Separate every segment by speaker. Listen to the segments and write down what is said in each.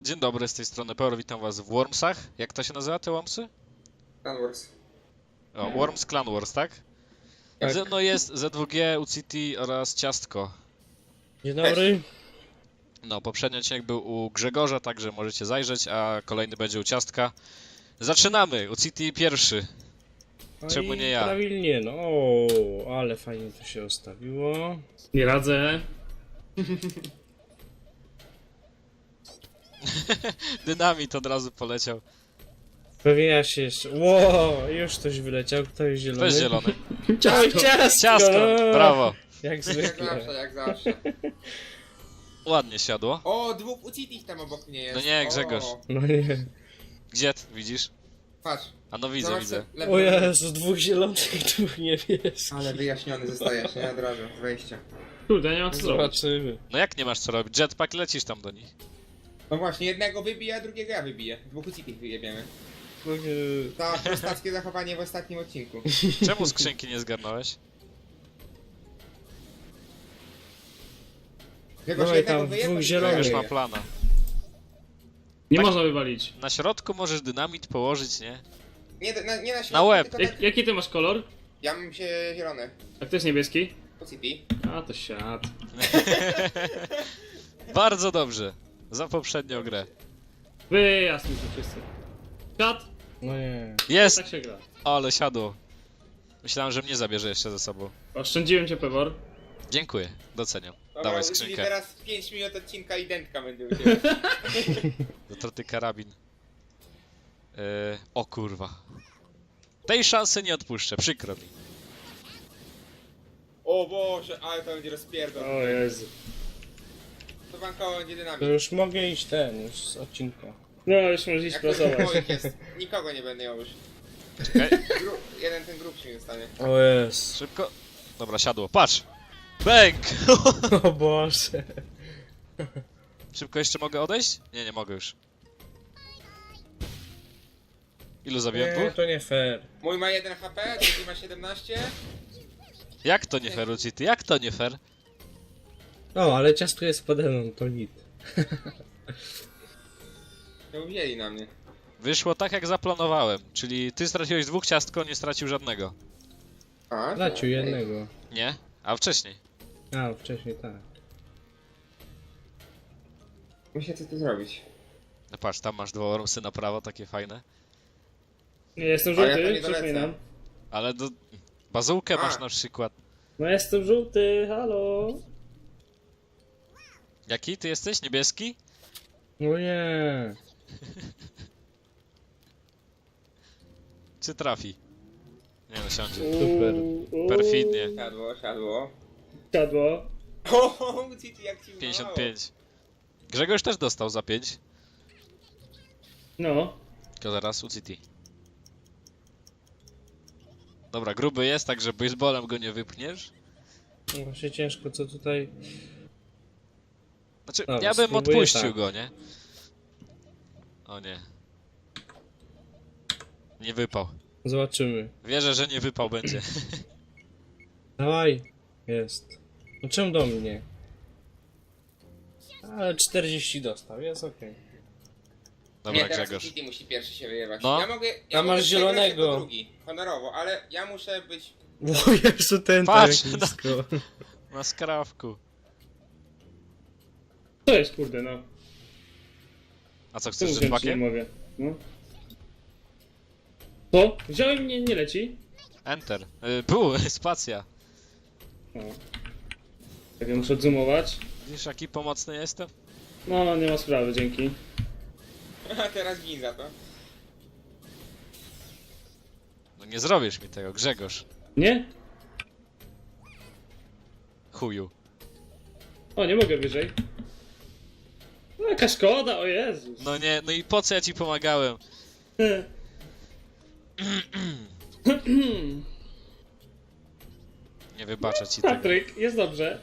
Speaker 1: Dzień dobry, z tej strony Peor, witam was w Wormsach. Jak to się nazywa, te Wormsy?
Speaker 2: Clan Wars.
Speaker 1: O, Worms Clan Wars, tak?
Speaker 2: Tak.
Speaker 1: Ze mną jest Z2G, UCT oraz Ciastko.
Speaker 3: Dzień dobry.
Speaker 1: No, poprzedni odcinek był u Grzegorza, także możecie zajrzeć, a kolejny będzie u Ciastka. Zaczynamy! UCT pierwszy.
Speaker 3: No
Speaker 1: Czemu
Speaker 3: i
Speaker 1: nie ja?
Speaker 3: Prawilnie, no. O, ale fajnie to się ustawiło.
Speaker 4: Nie radzę.
Speaker 1: Dynamit od razu poleciał.
Speaker 3: Pewnie ja się jeszcze... Ło, już ktoś wyleciał. Kto jest zielony?
Speaker 1: To jest zielony.
Speaker 3: Oj, ciastko!
Speaker 1: Ciastko!
Speaker 3: no.
Speaker 1: Brawo!
Speaker 3: Jak
Speaker 2: Jak
Speaker 3: zwykle.
Speaker 2: zawsze, jak zawsze.
Speaker 1: Ładnie siadło.
Speaker 2: O, dwóch UCT tam obok mnie jest.
Speaker 1: No nie, Grzegorz.
Speaker 2: O,
Speaker 3: No nie.
Speaker 1: Gdzie ty widzisz?
Speaker 2: patrz.
Speaker 1: A no widzę,
Speaker 2: Zobacz,
Speaker 1: widzę.
Speaker 2: lewy-
Speaker 3: O Jezu, dwóch zielonych i dwóch niebieskich.
Speaker 2: Ale wyjaśniony zostajesz, nie? Od razu, z wejścia.
Speaker 4: Kurde, nie ma co zrobić.
Speaker 3: Zobaczymy.
Speaker 1: No jak nie masz co robić? Jetpack lecisz tam do nich.
Speaker 2: No właśnie, jednego wybije, a drugiego ja wybiję. Dwóch UCT wyjebiemy. To prostackie zachowanie w ostatnim odcinku.
Speaker 1: Czemu skrzynki nie zgarnąłeś?
Speaker 2: Grzegorz,
Speaker 3: Dawaj
Speaker 2: jednego
Speaker 3: tam,
Speaker 2: wyjebać,
Speaker 3: dwóch
Speaker 2: i
Speaker 3: zielonych.
Speaker 1: Już
Speaker 2: drugiego
Speaker 1: ma
Speaker 2: wyje.
Speaker 1: plana.
Speaker 4: Nie
Speaker 1: Tak.
Speaker 4: można wywalić.
Speaker 1: Na środku możesz dynamit położyć, nie?
Speaker 2: Nie na środku,
Speaker 1: Na łeb.
Speaker 2: tylko tak.
Speaker 4: Jaki ty masz kolor?
Speaker 2: Ja mam się zielony.
Speaker 4: A kto jest niebieski?
Speaker 2: UCT.
Speaker 4: A, to siad.
Speaker 1: Bardzo dobrze. Za poprzednią grę.
Speaker 4: Wyjazd mi tu wszyscy. Siad!
Speaker 3: No nie.
Speaker 1: Jest!
Speaker 4: Tak się gra.
Speaker 1: Ale siadło. Myślałem, że mnie zabierze jeszcze ze sobą.
Speaker 4: Oszczędziłem cię, Pewor.
Speaker 1: Dziękuję, doceniam.
Speaker 2: Dobra,
Speaker 1: Dawaj
Speaker 2: czyli
Speaker 1: skrzynkę.
Speaker 2: teraz 5 minut odcinka i dętka będzie u ciebie.
Speaker 1: Zatroty karabin. O kurwa. Tej szansy nie odpuszczę, przykro mi.
Speaker 2: O Boże, ale to będzie rozpierdol.
Speaker 4: O Jezu.
Speaker 2: To bankowo będzie
Speaker 3: To
Speaker 2: dynamit.
Speaker 3: już mogę iść już z odcinka.
Speaker 4: No, już możesz iść
Speaker 2: Jak to
Speaker 4: pracować.
Speaker 2: moich jest, nikogo nie będę miał już.
Speaker 1: Czekaj,
Speaker 2: Jeden ten grubszy mi zostanie.
Speaker 3: O jest.
Speaker 1: szybko. Dobra, siadło. Patrz! Bęk!
Speaker 3: O Boże.
Speaker 1: Szybko jeszcze mogę odejść? Nie, nie mogę już. Ilu zabiłem
Speaker 3: Nie,
Speaker 1: dwóch?
Speaker 3: to nie fair.
Speaker 2: Mój ma 1 HP, drugi ma 17.
Speaker 1: Jak to nie fair, Lucity? Jak to nie fair?
Speaker 3: O, ale ciastko jest pode mną, to git.
Speaker 2: No wzięli na mnie.
Speaker 1: Wyszło tak jak zaplanowałem, czyli ty straciłeś dwóch, Ciastko nie stracił żadnego.
Speaker 2: A,
Speaker 3: Stracił jednego.
Speaker 1: Nie? A wcześniej.
Speaker 3: A, wcześniej tak.
Speaker 2: Muszę co tu zrobić.
Speaker 1: No patrz, tam masz dwa Wormsy na prawo, takie fajne.
Speaker 4: Nie, jestem
Speaker 2: A ja to
Speaker 4: żółty,
Speaker 2: nie dolecę.
Speaker 4: przypominam.
Speaker 1: Ale do... bazułkę
Speaker 2: A.
Speaker 1: masz na przykład.
Speaker 4: No jestem żółty, halo.
Speaker 1: Jaki ty jesteś? Niebieski?
Speaker 3: No nie.
Speaker 1: Czy trafi? Nie no, siądzie.
Speaker 3: Super.
Speaker 1: Perfidnie.
Speaker 2: Siadło, siadło.
Speaker 4: Siadło.
Speaker 2: O, City jak ci
Speaker 1: 55. Grzegorz też dostał za 5.
Speaker 4: No.
Speaker 1: Tylko zaraz UCT. Dobra, gruby jest, także baseballem go nie wypchniesz.
Speaker 3: No właśnie ciężko, co tutaj...
Speaker 1: Znaczy,
Speaker 3: Dobra,
Speaker 1: ja bym
Speaker 3: spróbuję
Speaker 1: odpuścił
Speaker 3: tak.
Speaker 1: go, nie? O nie. Nie wypał.
Speaker 3: Zobaczymy.
Speaker 1: Wierzę, że nie wypał będzie.
Speaker 3: Dawaj. Jest. No czemu do mnie? Ale 40 dostał, jest okej.
Speaker 1: Dobra,
Speaker 2: Nie, teraz
Speaker 1: Grzegorz.
Speaker 2: City musi pierwszy się wyjebać.
Speaker 1: No.
Speaker 2: Ja mogę.
Speaker 3: A masz
Speaker 2: mogę przegrać
Speaker 3: zielonego.
Speaker 2: jako drugi, honorowo, ale ja muszę być.
Speaker 3: O Jezu, ten
Speaker 1: Patrz,
Speaker 3: tak
Speaker 1: no.
Speaker 3: blisko.
Speaker 1: Na skrawku.
Speaker 4: To jest kurde, no.
Speaker 1: A co,
Speaker 4: Tu
Speaker 1: chcesz
Speaker 4: wziąć nie
Speaker 1: jetpackiem?
Speaker 4: mogę. No. To? Wziąłem mnie, nie leci.
Speaker 1: Enter. Pół, spacja.
Speaker 4: O. Tak, ja muszę odzumować.
Speaker 1: Widzisz, jaki pomocny jestem?
Speaker 4: No, nie ma sprawy, dzięki.
Speaker 2: A teraz gin za to.
Speaker 1: No nie zrobisz mi tego, Grzegorz.
Speaker 4: Nie?
Speaker 1: Chuju.
Speaker 4: O, nie mogę wyżej. No, jaka szkoda, o Jezus.
Speaker 1: No nie, no i po co ja ci pomagałem? Nie wybaczę ci tego.
Speaker 4: Patryk, jest dobrze.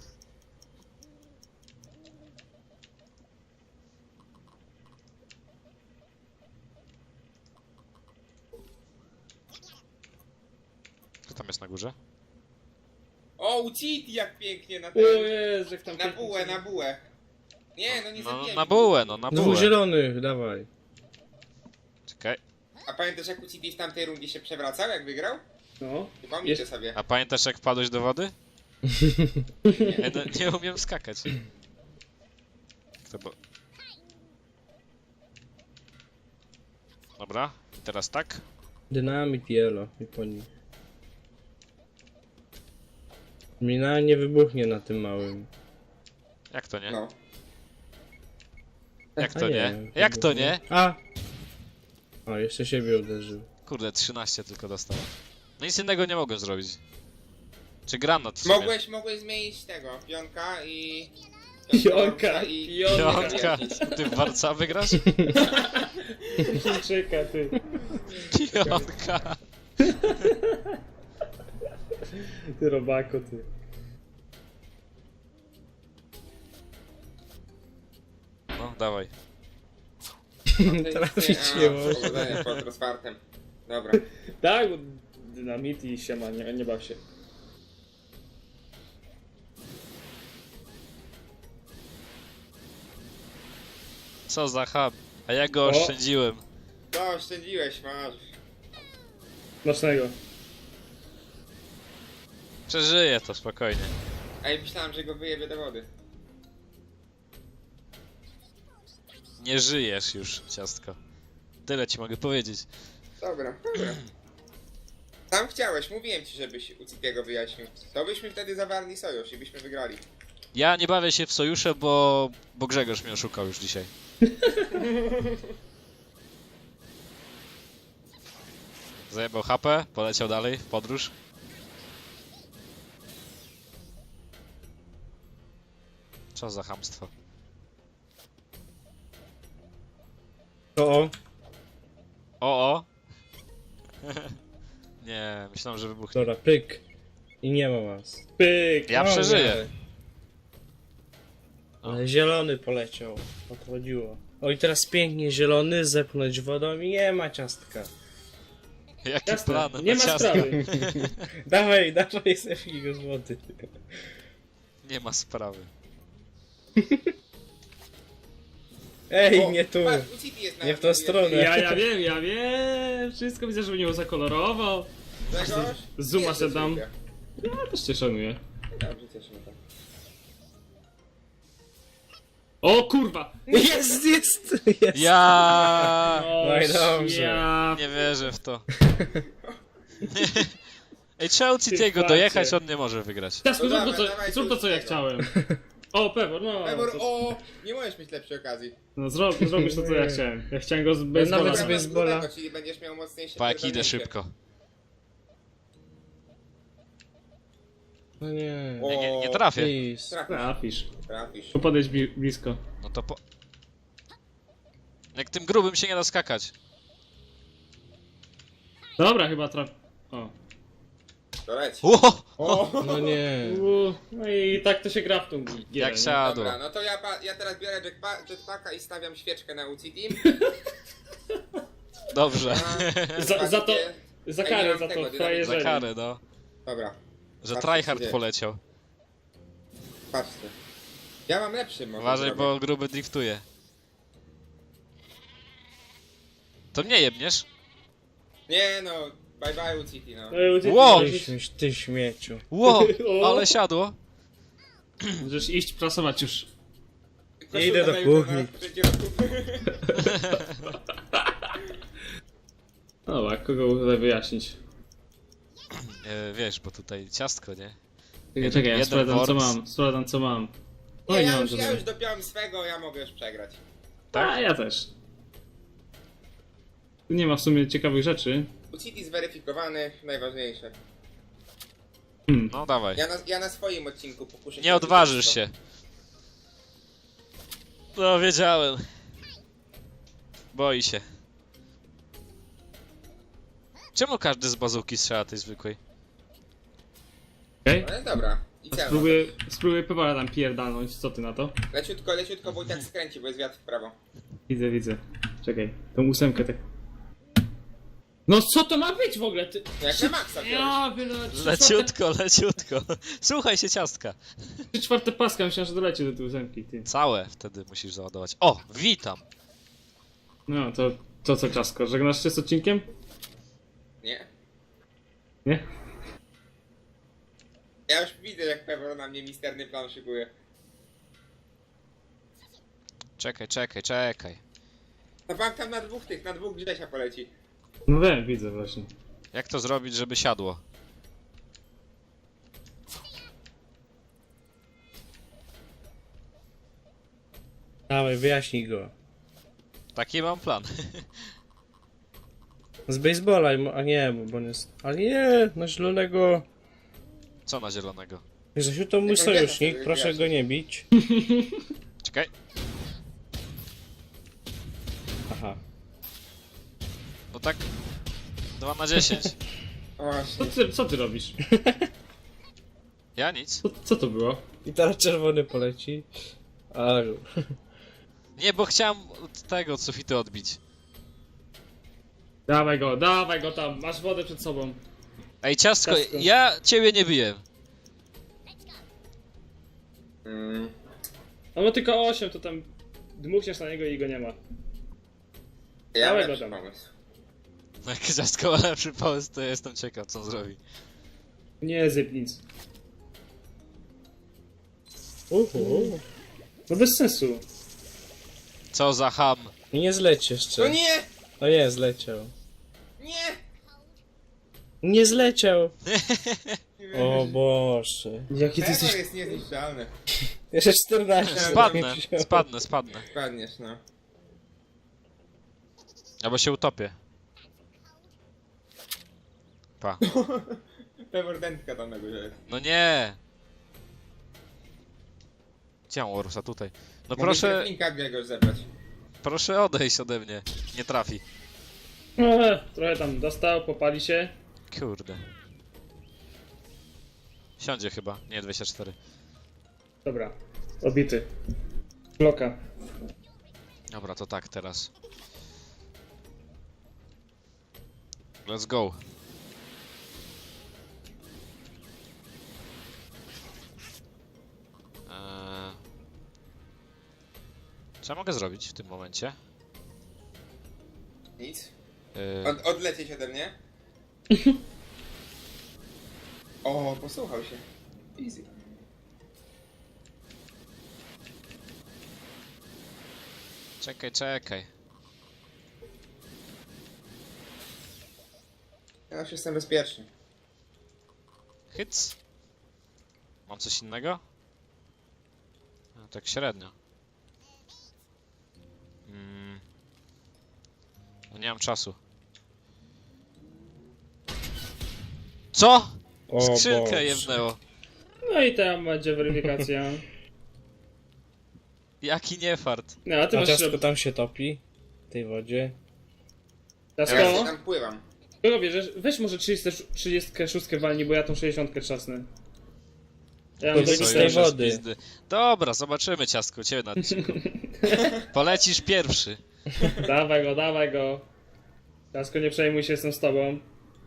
Speaker 1: Kto tam jest na górze?
Speaker 2: O, City jak pięknie na
Speaker 4: O
Speaker 2: ten.
Speaker 4: Jezu, jak tam
Speaker 2: Na
Speaker 4: pięknie
Speaker 2: bułę,
Speaker 4: sobie-
Speaker 2: na bułę. Nie, no nie
Speaker 1: No
Speaker 2: zabijaj
Speaker 1: na
Speaker 2: mnie.
Speaker 1: bułę, no na
Speaker 3: Dwóch
Speaker 1: bułę.
Speaker 3: zielonych, dawaj.
Speaker 1: Czekaj.
Speaker 2: A pamiętasz jak UCT w tamtej rundzie się przewracał, jak wygrał?
Speaker 4: No.
Speaker 2: Przypomnijcie sobie.
Speaker 1: A pamiętasz jak wpadłeś do wody? Nie, no, nie umiem skakać. To bo... Dobra, i teraz tak.
Speaker 3: Dynamit yellow i po nich. Mina nie wybuchnie na tym małym.
Speaker 1: Jak to nie?
Speaker 2: No.
Speaker 1: Jak
Speaker 3: A
Speaker 1: to nie? Jak to nie?
Speaker 3: A! O, jeszcze siebie uderzył.
Speaker 1: Kurde, 13 tylko dostałem. No nic innego nie mogłem zrobić. Czy granat w sumie?
Speaker 2: Mogłeś zmienić tego, pionka i...
Speaker 4: Pionka,
Speaker 2: i...
Speaker 1: Pionka! Ty w warca wygrasz?
Speaker 4: Czeka ty.
Speaker 1: Pionka!
Speaker 4: Ty robako, ty.
Speaker 1: No, dawaj.
Speaker 3: Trafić nie może.
Speaker 2: Powodzenia pod rozwartem. Dobra.
Speaker 4: Tak, bo dynamit i siema, nie baw się.
Speaker 1: Co za hub. A ja go
Speaker 4: O.
Speaker 1: oszczędziłem.
Speaker 2: To oszczędziłeś, masz.
Speaker 4: Smacznego.
Speaker 1: Przeżyję to spokojnie.
Speaker 2: A ja myślałem, że go wyjebie do wody.
Speaker 1: Nie żyjesz już, ciastko. Tyle ci mogę powiedzieć.
Speaker 2: Dobra, dobra. Sam chciałeś, mówiłem ci, żebyś UCT-go wyjaśnił. To byśmy wtedy zawarli sojusz i byśmy wygrali.
Speaker 1: Ja nie bawię się w sojusze, bo Grzegorz mnie oszukał już dzisiaj. Zajebał HP, poleciał dalej w podróż. Co za chamstwo.
Speaker 3: O,
Speaker 1: O! Nie, myślałem, że wybuchnie.
Speaker 3: dobra, pyk. I nie ma was.
Speaker 4: Pyk!
Speaker 1: Ja
Speaker 3: O,
Speaker 1: przeżyję.
Speaker 3: nie. Ale zielony poleciał. Odchodziło. O i teraz pięknie zielony, zepchnąć wodą i nie ma ciastka.
Speaker 1: Jaki
Speaker 4: Jasne,
Speaker 1: plan
Speaker 4: nie
Speaker 1: na
Speaker 4: ma
Speaker 1: ciastko?
Speaker 4: sprawy.
Speaker 3: Dawaj, dawaj, zepchnij go z wody.
Speaker 1: Nie ma sprawy.
Speaker 3: Ej,
Speaker 2: O,
Speaker 3: nie tu.
Speaker 2: Patrz, UCT jest na
Speaker 3: Nie w tą stronę.
Speaker 4: Ja wiem, wszystko widzę, żeby nie zakolorował.
Speaker 2: Grzegorz?
Speaker 4: Zuma
Speaker 2: Jest
Speaker 4: se dam.
Speaker 2: UCT.
Speaker 4: Ja też cię szanuję.
Speaker 2: Dobrze, cieszymy się.
Speaker 4: O kurwa!
Speaker 3: Jest, jest, jest.
Speaker 1: Ja
Speaker 3: No i dobrze.
Speaker 4: Ja...
Speaker 1: nie wierzę w to. Ej, trzeba u
Speaker 4: Ty
Speaker 1: Citiego
Speaker 4: facie.
Speaker 1: dojechać, on nie może wygrać.
Speaker 4: Teraz
Speaker 2: No
Speaker 4: zrób
Speaker 2: dawaj,
Speaker 4: to,
Speaker 2: dawaj,
Speaker 4: zrób to, co ja
Speaker 2: tego.
Speaker 4: chciałem. O, Pewor, no.
Speaker 2: Ebor,
Speaker 4: to-
Speaker 2: o! Nie możesz mieć lepszej okazji.
Speaker 4: No zrobisz to, co ja chciałem. Ja chciałem go z
Speaker 3: nawet
Speaker 4: baseballa.
Speaker 3: z baseballa.
Speaker 2: Grubego, czyli będziesz miał mocniejsze
Speaker 1: Pa, jak idę
Speaker 2: pierdolnięcie.
Speaker 1: szybko.
Speaker 3: No nie.
Speaker 2: O,
Speaker 1: Nie trafię.
Speaker 3: Please.
Speaker 2: Trafisz,
Speaker 4: Trafisz.
Speaker 2: trafisz.
Speaker 4: Podejdź blisko.
Speaker 1: No to po... Jak tym grubym się nie da skakać.
Speaker 4: Dobra, chyba traf... O.
Speaker 2: To leć.
Speaker 1: Ło!
Speaker 2: O!
Speaker 3: No nie.
Speaker 4: No i tak to się gra w tą gierę,
Speaker 1: Jak
Speaker 4: nie?
Speaker 1: siadło.
Speaker 2: Dobra, no to ja teraz biorę jetpacka i stawiam świeczkę na UCT.
Speaker 1: Dobrze.
Speaker 4: Za to... Za
Speaker 2: Ej,
Speaker 4: karę,
Speaker 2: nie mam
Speaker 4: za
Speaker 2: tego,
Speaker 4: to
Speaker 2: dynamitu.
Speaker 1: Za
Speaker 4: frajerzenie.
Speaker 1: karę, no.
Speaker 2: Dobra,
Speaker 1: Że
Speaker 2: Patrzcie, co
Speaker 1: tryhard
Speaker 2: dzieje.
Speaker 1: poleciał.
Speaker 2: patrzcie. Ja mam lepszy może
Speaker 1: Uważaj,
Speaker 2: zrobię.
Speaker 1: bo gruby driftuje. To mnie jebniesz?
Speaker 2: Nie no, bye bye UCT no.
Speaker 4: No i uciekł.
Speaker 1: Wow!
Speaker 3: Ty śmieciu.
Speaker 1: Ło!
Speaker 4: O!
Speaker 1: Ale siadło.
Speaker 4: Możesz iść prasować już.
Speaker 2: Koszulka
Speaker 3: Idę do
Speaker 2: na jutro
Speaker 3: kuchni.
Speaker 2: na trzeci roku.
Speaker 4: Dobra, kogo tutaj wyjaśnić?
Speaker 1: Wiesz, bo tutaj ciastko, nie?
Speaker 4: Czekaj, ja
Speaker 1: jeden
Speaker 4: sprawdzam co
Speaker 1: works.
Speaker 4: mam. Sprawdzam co mam.
Speaker 2: Nie,
Speaker 4: Oj,
Speaker 2: ja
Speaker 4: mam
Speaker 2: już
Speaker 4: żadnego.
Speaker 2: dopiąłem swego, ja mogę już przegrać.
Speaker 1: Tak?
Speaker 4: A ja też. Tu nie ma w sumie ciekawych rzeczy.
Speaker 2: UCT zweryfikowany, najważniejsze.
Speaker 1: No dawaj.
Speaker 2: Ja na swoim odcinku pokuszę się.
Speaker 1: Nie odważysz się. No, wiedziałem. Boi się. Czemu każdy z bazuki strzela tej zwykłej?
Speaker 4: Okej?
Speaker 2: No jest dobra. I co?
Speaker 4: Spróbuję Pewora tam pierdalnąć, co ty na to?
Speaker 2: Leciutko, bo i tak skręci, bo jest wiatr w prawo.
Speaker 4: Widzę. Czekaj, tą ósemkę tak. No co to ma być w ogóle? Ty...
Speaker 2: Jak na maksa wziąłeś.
Speaker 4: Ja byle...
Speaker 1: Leciutko, leciutko. Słuchaj się ciastka.
Speaker 4: 3/4 paska, myślałem, że doleci do tej ósemki, ty.
Speaker 1: Całe wtedy musisz załadować. O, witam.
Speaker 4: No, to co, Czasko, żegnasz się z odcinkiem?
Speaker 2: Nie.
Speaker 4: Nie?
Speaker 2: Ja już widzę, jak Pewor na mnie misterny plan szykuje.
Speaker 1: Czekaj.
Speaker 2: No bank tam na dwóch Grzesia poleci.
Speaker 4: No wiem, widzę właśnie.
Speaker 1: Jak to zrobić, żeby siadło?
Speaker 3: Dawaj, wyjaśnij go.
Speaker 1: Taki mam plan.
Speaker 3: Z baseballa, a nie, bo on jest... Ale nie, na zielonego...
Speaker 1: Co na zielonego?
Speaker 3: Grzesiu, to mój
Speaker 2: Jaką
Speaker 3: sojusznik,
Speaker 2: wiatr
Speaker 3: proszę
Speaker 2: sobie
Speaker 3: go nie bić.
Speaker 1: Czekaj.
Speaker 3: Aha.
Speaker 1: No tak 2 na 10.
Speaker 2: O właśnie.
Speaker 4: Co ty robisz?
Speaker 1: Ja nic.
Speaker 4: Co to było?
Speaker 3: I teraz czerwony poleci. Ale...
Speaker 1: Nie, bo chciałem od tego od sufitu odbić.
Speaker 4: Dawaj go tam, masz wodę przed sobą.
Speaker 1: Ej, ciastko,
Speaker 4: Ciastko.
Speaker 1: ja ciebie nie biję.
Speaker 4: No bo tylko 8, to tam dmuchniesz na niego i go nie ma.
Speaker 2: Ja mam
Speaker 4: Dawaj go
Speaker 2: lepszy
Speaker 4: tam.
Speaker 2: pomysł.
Speaker 1: No jak ciastko ma lepszy pomysł, to ja jestem ciekaw, co on zrobi.
Speaker 4: Nie zyp nic. No bez sensu.
Speaker 1: Co za ham.
Speaker 3: I nie zleci jeszcze.
Speaker 2: No nie!
Speaker 3: O nie, zleciał.
Speaker 2: Nie!
Speaker 3: Nie zleciał! O Boże.
Speaker 4: Jaki ty
Speaker 2: Pewor
Speaker 4: jesteś...
Speaker 2: jest niezniszczalny.
Speaker 3: Jeszcze 14.
Speaker 1: Spadnę.
Speaker 2: Spadniesz, no.
Speaker 1: Albo się utopię. Pa.
Speaker 2: Pewor dętka tam na górze jest.
Speaker 1: No nie. Gdzie mam Orusa? Tutaj. No
Speaker 2: Mogę
Speaker 1: proszę,
Speaker 2: Linka Grzegorz zebrać.
Speaker 1: proszę odejść ode mnie. Nie trafi.
Speaker 4: Trochę tam dostał, popali się.
Speaker 1: Kurde. Siądzie chyba. Nie, 24.
Speaker 4: Dobra, obity. Bloka.
Speaker 1: Dobra, to tak teraz. Let's go. Co ja mogę zrobić w tym momencie?
Speaker 2: Nic.
Speaker 1: Yy,
Speaker 2: Odlecieć ode mnie. O, posłuchał się. Easy.
Speaker 1: czekaj.
Speaker 2: Ja już jestem bezpieczny.
Speaker 1: Hyc. Mam coś innego? No, tak średnio. No nie mam czasu. Co?
Speaker 3: O
Speaker 1: Skrzynkę
Speaker 3: Boże.
Speaker 1: jebnęło.
Speaker 4: No i tam będzie weryfikacja.
Speaker 1: Jaki niefart.
Speaker 4: No, a ty
Speaker 3: A
Speaker 4: masz...
Speaker 3: ciastko tam się topi. W tej wodzie.
Speaker 2: Ja się
Speaker 4: Ciasko?
Speaker 2: tam pływam.
Speaker 4: Kogo bierzesz? Weź może 36 walni, bo ja tą 60 trzasnę. Ja mam
Speaker 3: To
Speaker 4: tego
Speaker 3: z tej
Speaker 1: Sojusze z
Speaker 3: wody.
Speaker 1: pizdy. Dobra, zobaczymy ciastko u ciebie na odcinku. Polecisz pierwszy.
Speaker 4: Dawaj go. Ciasko, nie przejmuj się, jestem z tobą.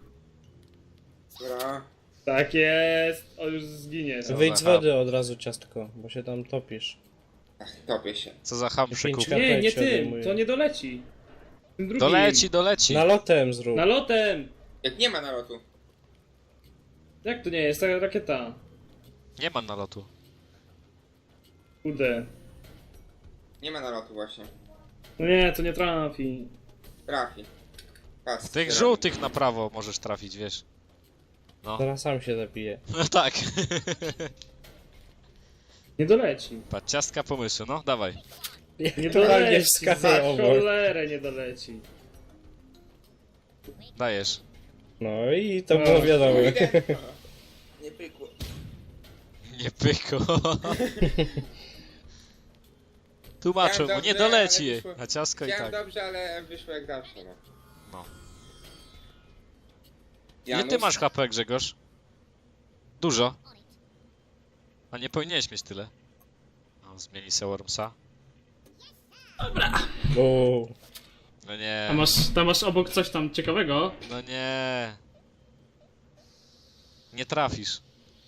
Speaker 2: Dobra.
Speaker 4: Tak jest. On już zginie.
Speaker 1: Co
Speaker 3: Wyjdź z
Speaker 1: za ham.
Speaker 3: wody od razu, ciastko, bo się tam topisz.
Speaker 2: Ach, topię się.
Speaker 1: Co za ham
Speaker 3: Pięć
Speaker 1: przykup.
Speaker 3: kap-
Speaker 4: Nie, nie
Speaker 3: się
Speaker 4: tym,
Speaker 3: odejmuje.
Speaker 4: to nie doleci. Tym drugim.
Speaker 1: Doleci.
Speaker 3: Nalotem zrób.
Speaker 4: Nalotem!
Speaker 2: Jak nie ma nalotu.
Speaker 4: Jak to nie jest? Ta rakieta.
Speaker 1: Nie ma nalotu.
Speaker 4: Kurde.
Speaker 2: Nie ma nalotu właśnie.
Speaker 4: No nie, to nie trafi.
Speaker 2: Trafi. Pas.
Speaker 1: Tych żółtych na prawo możesz trafić, wiesz. No,
Speaker 3: Zaraz sam się zabije.
Speaker 1: no tak.
Speaker 4: Nie doleci.
Speaker 1: Patrz, ciastka pomysłu, no dawaj.
Speaker 4: Nie
Speaker 3: Totalnie
Speaker 4: doleci.
Speaker 3: wskazał
Speaker 4: Za
Speaker 3: obok.
Speaker 4: cholerę nie doleci.
Speaker 1: Dajesz.
Speaker 3: No i to było wiadomo.
Speaker 2: Idę. Nie pykło.
Speaker 1: Nie pyko. Tłumaczę mu,
Speaker 2: Chciałem
Speaker 1: nie
Speaker 2: dobrze,
Speaker 1: doleci.
Speaker 2: ale wyszło-
Speaker 1: A ciastko i
Speaker 2: Chciałem
Speaker 1: tak.
Speaker 2: dobrze, ale wyszło jak zawsze, no.
Speaker 1: No. Ile
Speaker 2: Janusz?
Speaker 1: ty masz HP, Grzegorz? Dużo. A nie powinieneś mieć tyle. No, zmieni se Wormsa.
Speaker 3: O,
Speaker 1: No nie.
Speaker 4: Tam masz obok coś tam ciekawego.
Speaker 1: No nie. Nie trafisz.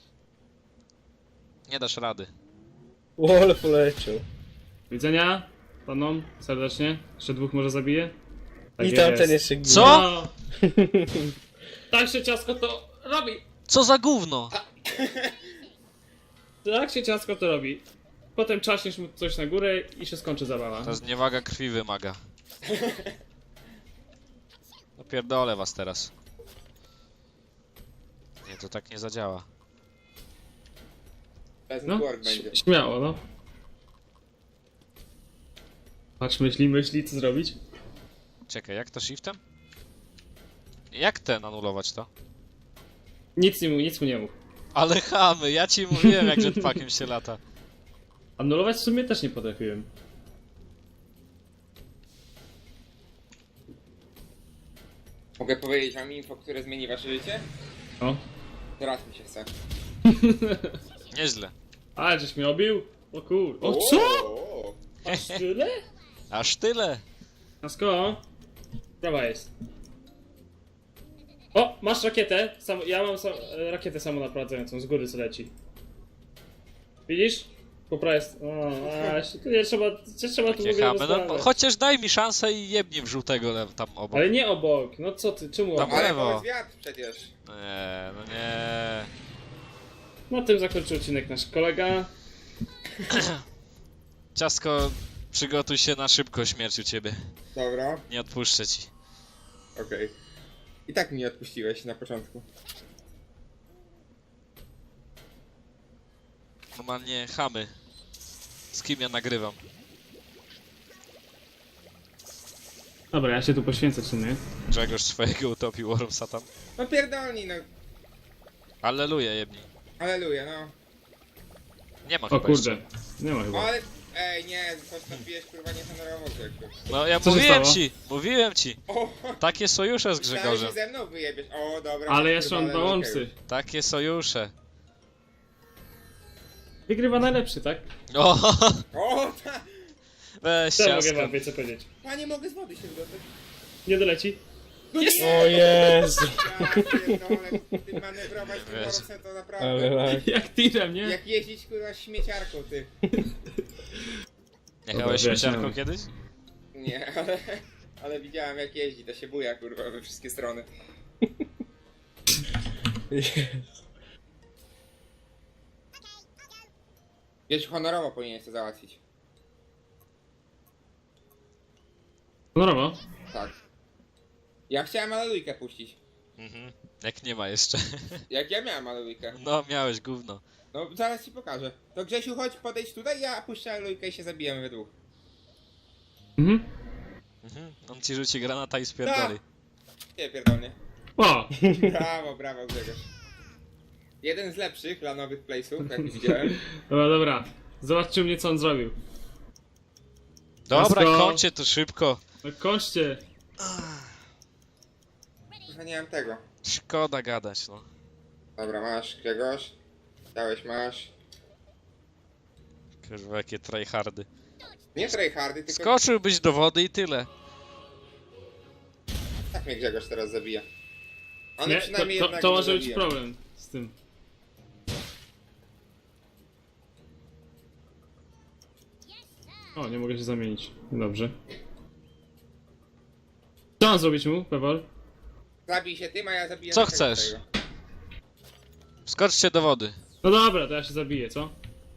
Speaker 1: Nie dasz rady.
Speaker 3: O, ale poleciał.
Speaker 4: Widzenia panom serdecznie. Jeszcze dwóch może zabiję. Tak
Speaker 3: I tamten
Speaker 4: jest.
Speaker 3: jeszcze ginie.
Speaker 1: Co?
Speaker 4: No. Tak się ciasko to robi.
Speaker 1: Co za gówno?
Speaker 4: Tak się ciasko to robi. Potem czaśniesz mu coś na górę i się skończy zabawa.
Speaker 1: Ta zniewaga krwi wymaga. No pierdolę was teraz. Nie, to tak nie zadziała.
Speaker 2: Peasant
Speaker 4: No,
Speaker 2: work będzie.
Speaker 4: śmiało, no. Patrz, myśli, co zrobić?
Speaker 1: Czekaj, jak to shiftem? Jak ten anulować to?
Speaker 4: Nic mu nie mów.
Speaker 1: Ale chamy, ja ci mówiłem jak jetpackiem się lata.
Speaker 4: Anulować w sumie też nie potrafiłem.
Speaker 2: Mogę powiedzieć wam info, które zmieni wasze życie?
Speaker 4: O.
Speaker 2: Teraz mi się chce.
Speaker 1: Nieźle.
Speaker 4: Ale żeś mnie obił? O kur... O
Speaker 2: O,
Speaker 4: co?
Speaker 2: o.
Speaker 4: Aż tyle?
Speaker 1: Aż tyle.
Speaker 4: Nasko? Prawa jest. O, masz rakietę. Ja mam rakietę samonaprowadzającą, z góry co leci. Widzisz? Po prawej jest... O, nie trzeba tu w
Speaker 1: Nie
Speaker 4: ogóle
Speaker 1: chamy. No,
Speaker 4: rozmawiać.
Speaker 1: chociaż daj mi szansę i jebnij w żółtego tam obok.
Speaker 4: Ale nie obok, no co ty, czemu
Speaker 1: Tam
Speaker 4: obok?
Speaker 2: Ale
Speaker 1: lewo.
Speaker 2: to jest wiatr przecież.
Speaker 1: Nie, no nie.
Speaker 4: Na tym zakończył odcinek nasz kolega.
Speaker 1: Ciasko, przygotuj się na szybko śmierć u ciebie.
Speaker 2: Dobra,
Speaker 1: Nie odpuszczę ci.
Speaker 2: okej. I tak mnie odpuściłeś na początku.
Speaker 1: Normalnie chamy. Z kim ja nagrywam?
Speaker 4: Dobra, ja się tu poświęcę, czy nie?
Speaker 1: Grzegorz swojego utopił Worm Satan.
Speaker 2: No pierdolni, no.
Speaker 1: Alleluja jebnij.
Speaker 2: Aleluja, no.
Speaker 1: Nie ma
Speaker 4: O
Speaker 1: chyba
Speaker 4: kurde,
Speaker 1: jeszcze.
Speaker 4: nie ma
Speaker 2: O,
Speaker 4: chyba.
Speaker 2: ale... Ej, nie, postąpiłeś kurwa niehonorowo, Grzegorz.
Speaker 1: No ja
Speaker 4: Co się
Speaker 1: mówiłem
Speaker 4: stało?
Speaker 1: ci, mówiłem ci.
Speaker 2: O,
Speaker 1: Takie sojusze z
Speaker 2: myślałem,
Speaker 1: Grzegorzem.
Speaker 2: że ze mną wyjebiesz. O, dobra.
Speaker 4: Ale jeszcze
Speaker 2: kurwa,
Speaker 4: mam dwa
Speaker 2: alelujkę
Speaker 4: łączcy.
Speaker 2: już.
Speaker 1: Takie sojusze.
Speaker 4: Wygrywa najlepszy, tak?
Speaker 1: O,
Speaker 2: O, ta...
Speaker 1: weź
Speaker 4: Co mogę
Speaker 1: ciasko.
Speaker 4: wam więcej powiedzieć?
Speaker 2: Panie, mogę z wody się wydostać.
Speaker 4: Nie doleci?
Speaker 2: No
Speaker 1: Jest.
Speaker 2: nie!
Speaker 3: O Jezu.
Speaker 2: Ja pierdolę, ty manewrować tym
Speaker 1: Wiesz.
Speaker 2: Wormsem to
Speaker 3: Ale
Speaker 2: naprawdę...
Speaker 3: tak.
Speaker 4: Jak tirem, nie?
Speaker 2: Jak jeździć kurwa śmieciarką, ty.
Speaker 1: Jechałeś
Speaker 4: Dobra,
Speaker 1: śmieciarką
Speaker 2: no.
Speaker 4: wyjaśniamy.
Speaker 1: kiedyś?
Speaker 2: Nie, ale widziałem jak jeździ, to się buja kurwa we wszystkie strony. Wiesz, honorowo powinieneś to załatwić.
Speaker 4: Honorowo.
Speaker 2: Tak. Ja chciałem alelujkę puścić.
Speaker 1: Mhm. Jak nie ma jeszcze.
Speaker 2: Jak ja miałem alelujkę.
Speaker 1: No, miałeś gówno.
Speaker 2: No, zaraz ci pokażę. To Grzesiu, chodź, podejdź tutaj, ja puszczę alelujkę i się zabijemy we dwóch.
Speaker 4: Mhm.
Speaker 1: Mhm. On ci rzuci granata i spierdoli.
Speaker 2: Nie, pierdolnie.
Speaker 4: O!
Speaker 2: Brawo, brawo Grzegorz. Jeden z lepszych lanowych playsów, jak widziałem.
Speaker 4: Dobra. Zobaczcie co on zrobił.
Speaker 1: Dobra,
Speaker 4: Ciasko.
Speaker 1: kończcie to szybko.
Speaker 4: No kończcie.
Speaker 2: Trochę nie mam tego.
Speaker 1: Szkoda gadać, no.
Speaker 2: Dobra, masz Grzegorz. Dałeś, masz.
Speaker 1: Kurwa, jakie tryhardy.
Speaker 2: Nie tryhardy, tylko
Speaker 1: Skoczyłbyś do wody i tyle.
Speaker 2: tak mnie Grzegorz teraz zabija. Ale
Speaker 4: Nie,
Speaker 2: przynajmniej
Speaker 4: to
Speaker 2: jednak
Speaker 4: to
Speaker 2: nie
Speaker 4: może być
Speaker 2: zabija.
Speaker 4: problem z tym. O, nie mogę się zamienić. Dobrze. Co mam zrobić mu, Pewor?
Speaker 2: Zabij się tym, a ja zabiję
Speaker 1: Co
Speaker 2: naszego
Speaker 1: chcesz?
Speaker 2: tego.
Speaker 1: Skoczcie do wody.
Speaker 4: No dobra, to ja się zabiję, co?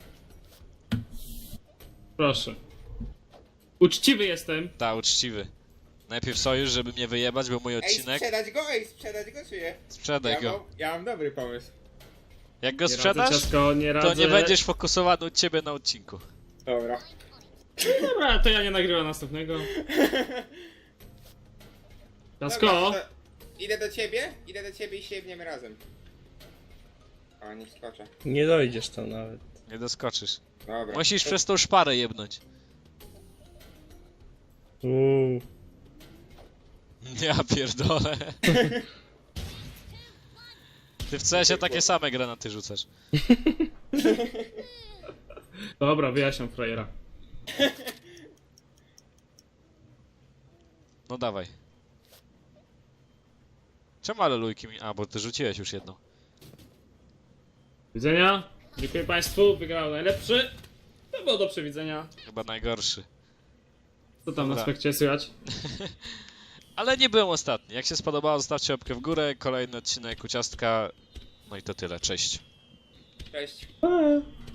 Speaker 4: Proszę. Uczciwy jestem.
Speaker 1: Ta, uczciwy. Najpierw sojusz, żeby mnie wyjebać, bo mój
Speaker 2: Ej,
Speaker 1: odcinek.
Speaker 2: sprzedać go, czy nie?
Speaker 1: Sprzedaj go.
Speaker 2: Ja mam dobry pomysł.
Speaker 1: Jak go
Speaker 4: Nie radzę,
Speaker 1: sprzedasz,
Speaker 4: ciasko, nie
Speaker 1: to
Speaker 4: radzę.
Speaker 1: nie będziesz fokusowany u ciebie na odcinku.
Speaker 2: Dobra.
Speaker 4: Dobra, to ja nie nagrywam następnego. Ciasko!
Speaker 2: Dobra, to idę do ciebie i sięgniemy razem. O, nie skoczę.
Speaker 3: Nie dojdziesz tam nawet.
Speaker 1: Nie doskoczysz.
Speaker 2: Dobra.
Speaker 1: Musisz przez tą szparę jebnąć. Ja pierdolę. Ty w CS-ie takie same granaty rzucasz.
Speaker 4: Dobra, wyjaśniam frajera.
Speaker 1: No dawaj. Czemu alelujki mi... A, bo ty rzuciłeś już jedną.
Speaker 4: Widzenia. Dziękuję państwu. Wygrał najlepszy. To było do przewidzenia.
Speaker 1: Chyba najgorszy.
Speaker 4: Co tam na
Speaker 1: Dobra.
Speaker 4: aspekcie słychać?
Speaker 1: Ale nie byłem ostatni. Jak się spodobało, zostawcie łapkę w górę. Kolejny odcinek u Ciastka. No i to tyle. Cześć.
Speaker 2: Cześć.
Speaker 4: Pa.